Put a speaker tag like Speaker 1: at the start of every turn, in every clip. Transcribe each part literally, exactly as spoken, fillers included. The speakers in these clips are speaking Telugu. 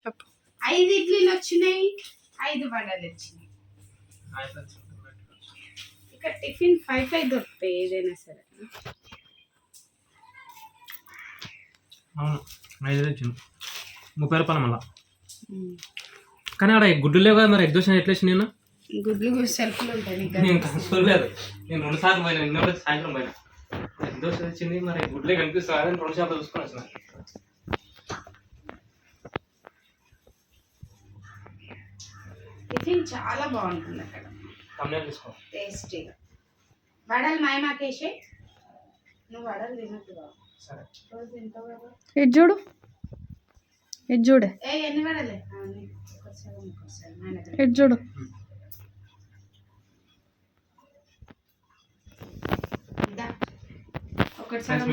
Speaker 1: ఐదు ఇడ్లీలు వచ్చినాయి, ఐదు వడలు వచ్చినాయి. ఇక్కడ టిఫిన్ ఫైవ్ ఫైవ్ దొరుకుతాయి ఏదైనా సరే.
Speaker 2: అవును ఐదు వచ్చింది ముప్పై రూపాయలు మళ్ళా. కానీ అక్కడ గుడ్లు లేవు కదా, మరి ఎగ్ దోశ ఎట్లా వచ్చింది? నేను
Speaker 1: గుడ్లు సెల్ఫ్లు ఉంటాయి.
Speaker 2: నేను చూడలేదు, నేను రెండు సార్లు పోయినా, నిన్న సాయంత్రం పోయినా. ఎగ్ దోశ వచ్చింది, మరి గుడ్లే కనిపిస్తుంది అని రెండు సార్లు చూసుకొని వచ్చిన.
Speaker 1: టిఫిన్ చాలా బాగుంటుంది అక్కడ,
Speaker 2: తీసుకో
Speaker 1: టేస్టీగా. వడలు మాయమాకేసే, నువ్వు వడలు తినట్టు బాబు.
Speaker 2: సరే
Speaker 1: రోజు తింటావు కదా.
Speaker 3: ఇది చూడు, ఇది చూడే,
Speaker 1: ఏ ఎన్ని వడలే
Speaker 3: ఇది చూడు.
Speaker 1: ఒకటి సగం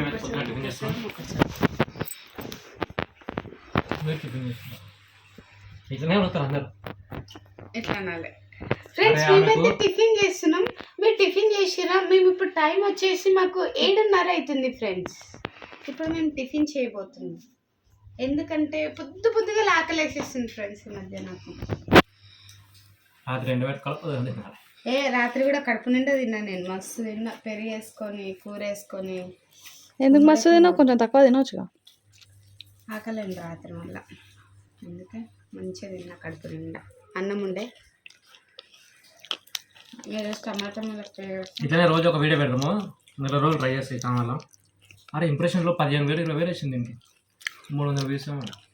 Speaker 2: ఇట్లనే వస్తారు అందరు.
Speaker 1: ఎట్లా అనాలి ఫ్రెండ్స్, మేమైతే టిఫిన్ చేస్తున్నాం. మీరు టిఫిన్ చేసిరా? మేము ఇప్పుడు టైం వచ్చేసి మాకు ఏడున్నర అవుతుంది ఫ్రెండ్స్. ఇప్పుడు మేము టిఫిన్ చేయబోతున్నాం, ఎందుకంటే పొద్దు పొద్దుగా ఆకలేసేస్తుంది ఫ్రెండ్స్ ఈ మధ్య నాకు.
Speaker 2: రాత్రి రెండు వేల కలుపు
Speaker 1: ఏ రాత్రి కూడా కడుపు నిండా తిన్నా నేను, మస్తు తిన్నా. పెరుగు వేసుకొని కూర వేసుకొని.
Speaker 3: ఎందుకు మస్తు తిన్నావు? కొంచెం తక్కువ తినవచ్చుగా.
Speaker 1: ఆకలేండి రాత్రి వల్ల, అందుకే మంచిగా తిన్నా కడుపు నిండా. అన్నం ఉండే మీరు టమాటా
Speaker 2: ఇట్లనే రోజు ఒక వీడియో పెడదాము, నెల రోజులు ట్రై చేస్తాయి ఛానల్లో. అరే ఇంప్రెషన్లో పదిహేను వేలు ఇరవై వేలు వచ్చింది దీనికి, మూడు వందల వ్యూస్.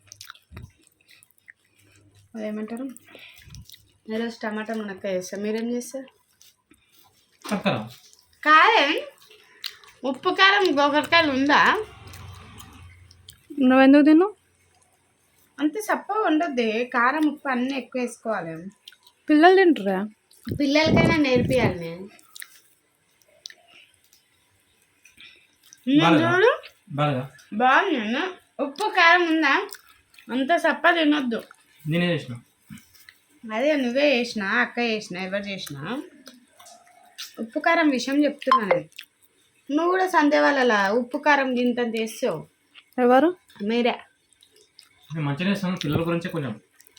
Speaker 1: అదేమంటారు, ఈరోజు టమాటా మునక్కాయ చేస్తాం. మీరేం చేస్తారు?
Speaker 2: పక్కరా
Speaker 1: కారం ఉప్పు కారం గోకరకాయలు ఉందా?
Speaker 3: నువ్వెందుకు తిన్నావు?
Speaker 1: అంతే సప్పగా ఉండొద్ది, కారం ఉప్పు అన్నీ ఎక్కువ వేసుకోవాలి.
Speaker 3: పిల్లలు తింటారా?
Speaker 1: పిల్లలకైనా నేర్పియాలి నేను. చూడు బాగుంది, ఉప్పు కారం ఉందా? అంత సప్ప తినొద్దు.
Speaker 2: నేనే చేసిన,
Speaker 1: అదే నువ్వే చేసినా, అక్క చేసిన, ఎవరు చేసినా. ఉప్పు కారం విషయం చెప్తున్నా నేను. నువ్వు కూడా సందే వాళ్ళ ఉప్పు కారం గింత చేస్తావు.
Speaker 3: ఎవరు?
Speaker 1: మీరే.
Speaker 2: మంచిగా చేస్తాను పిల్లల గురించి. కొంచెం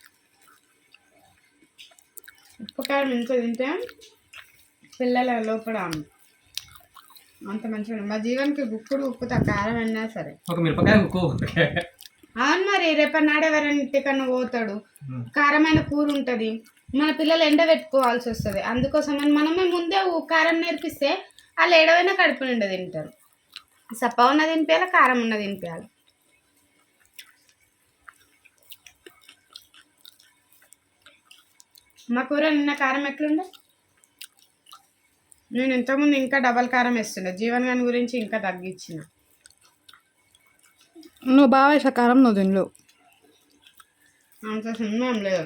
Speaker 1: ఉప్పు కారం ఇంట్లో తింటే పిల్లల లోపల అంత మంచిగా. మా జీవన్కి గుప్పుడు ఉప్పుతో కారం అన్నా సరే.
Speaker 2: ఒక మిరపకాయ ఉప్పు.
Speaker 1: అవును మరి, రేపటి ఎవరైనా ఇంటికన్నా పోతాడు, కారమైన కూర ఉంటుంది, మన పిల్లలు ఎండ పెట్టుకోవాల్సి వస్తుంది. అందుకోసం మనమే ముందే కారం నేర్పిస్తే వాళ్ళు ఏడవైనా కడుపు నిండా తింటారు. సప్ప ఉన్న తినిపించాలి, కారం ఉన్న తినిపించాలి. మా కూర నిన్న కారం ఎట్లుండే? నేను ఇంతకుముందు ఇంకా డబల్ కారం వేస్తుండే, జీవన్ గారి గురించి ఇంకా తగ్గించిన.
Speaker 3: నువ్వు బాగా వేసా కారం, నువ్వు తినలేవు.
Speaker 1: అంత సినిమా లేదు.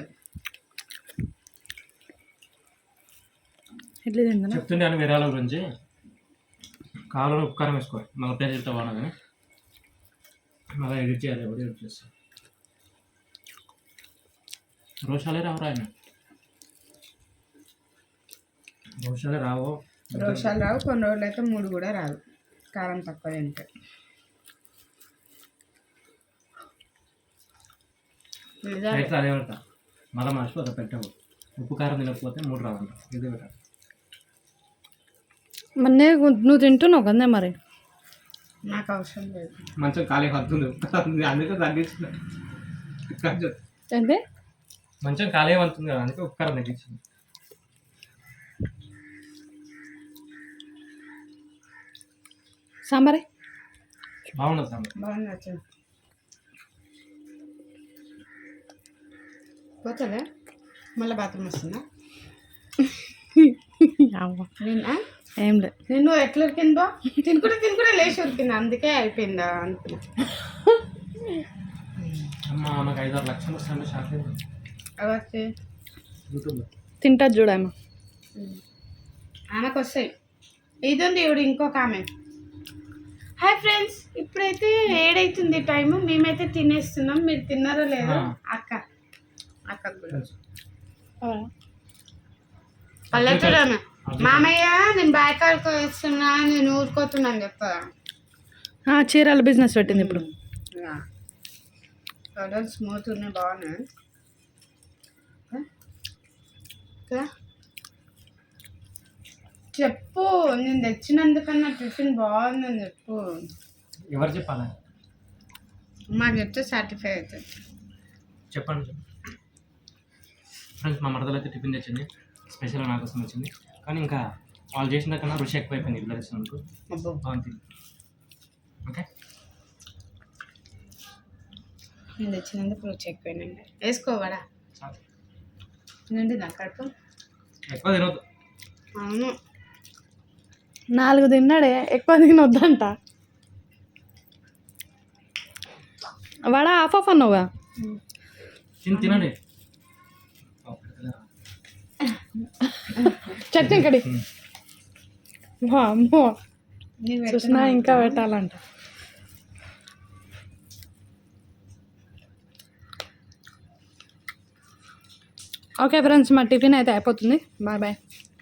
Speaker 3: ఎట్లా తిందా
Speaker 2: చెప్తుండే అని వేరే వాళ్ళ గురించి. కావాలని ఉపకారం వేసుకోవాలి, మళ్ళీ పేరు చెప్తా బాగా కానీ మళ్ళీ ఎడిట్ చేయాలి. ఎవరు ఎడిట్ చేస్తారు? రోషాలే రావు ఆయన, రోషాలే రావు.
Speaker 1: రోషాలు రావు, కొన్ని రోజులు అయితే మూడు కూడా రాదు కారం తక్కువ తింటే.
Speaker 2: అయితే అదే పెడతా, మళ్ళీ మర్చిపోతా పెట్టవు. ఉప్పు కారం తినకపోతే మూడు రావంట, ఇదే పెట్టాలి.
Speaker 3: మరి నువ్వు తింటున్నావు కదా మరి.
Speaker 1: నాకు అవసరం లేదు.
Speaker 2: మంచిగా ఖాళీ వస్తుంది, అందుకే తగ్గించిన.
Speaker 3: అంటే
Speaker 2: మంచిగా ఖాళీ అవుతుంది కదా, అందుకే ఉప్పు కారం తగ్గించింది.
Speaker 3: సాంబారే
Speaker 2: బాగుండదు సాంబార్.
Speaker 1: బాగుంది వచ్చింది. పోతుందా మళ్ళీ బాత్రూమ్ వస్తుందా? నేనా
Speaker 3: ఏం లేదు.
Speaker 1: నేను ఎట్లా ఉరికిందో తినుకుంటే తినుకుంటే లేచి ఉరికింది, అందుకే అయిపోయిందా అనుకున్నా.
Speaker 2: అమ్మా నాకు ఐదు ఆరు లక్షలు వస్తాయంటే షాక్ అయింది.
Speaker 1: అవచ్చి
Speaker 2: యూట్యూబ్లో
Speaker 3: తింటా చూడమ్మా,
Speaker 1: ఆమెకు వస్తాయి. ఇది ఉంది ఇప్పుడు ఇంకొక ఆమె. హాయ్ ఫ్రెండ్స్, ఇప్పుడైతే ఏడైతుంది టైము, మేమైతే తినేస్తున్నాం. మీరు తిన్నారో లేదో? అక్క అక్క పల్లెటూరు ఆమె. మామయ్య నేను బాయ్కాడికి వస్తున్నా, నేను ఊరుకోతున్నాను చెప్తా.
Speaker 3: చీరల బిజినెస్ పెట్టింది ఇప్పుడు.
Speaker 1: కలర్ స్మూత్ ఉన్నాయి, బాగున్నాయి కదా. చెప్పు, నేను తెచ్చినందుకన్నా టిఫిన్ బాగుందని చెప్పు.
Speaker 2: ఎవరు చెప్పాలి?
Speaker 1: మాకు చెప్తే సాటిస్ఫై అవుతుంది.
Speaker 2: చెప్పండి ఫ్రెండ్స్. మా మరదలు అయితే టిఫిన్ తెచ్చింది, స్పెషల్గా నా కోసం వచ్చింది. కానీ ఇంకా వాళ్ళు చేసిన కన్నా రుచి ఎక్కువైపోయింది ఇలా తెచ్చినందుకు.
Speaker 1: అబ్బో,
Speaker 2: బాగుంది. ఓకే,
Speaker 1: నేను తెచ్చినందుకు రుచి ఎక్కువైనండి. వేసుకోవాడా
Speaker 2: చాలు.
Speaker 1: నుండి నా కడుపు.
Speaker 2: ఎక్కువ తినవద్దు.
Speaker 1: అవును,
Speaker 3: నాలుగు తిన్నాడే, ఎక్కువ తినొద్దంట. వడ ఆఫ్ ఆఫ్ అన్నావుగా.
Speaker 2: తిని తినండి.
Speaker 3: చట్నీ కడి అమ్మో,
Speaker 1: నీకు
Speaker 3: చూసినా ఇంకా పెట్టాలంట. ఓకే ఫ్రెండ్స్, మా టిఫిన్ అయితే అయిపోతుంది. Bye bye.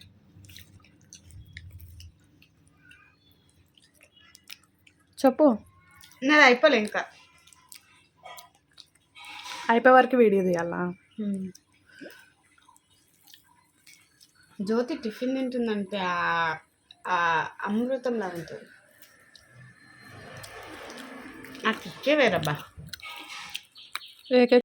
Speaker 3: చెప్పు.
Speaker 1: నాది అయిపోలే ఇంకా.
Speaker 3: అయిపోయే వరకు వీడియో తీయాలా?
Speaker 1: జ్యోతి టిఫిన్ తింటుందంటే ఆ- ఆ అమృతంలా ఉంటుంది. ఆ కిక్కే వేరబ్బా.
Speaker 3: ఏకే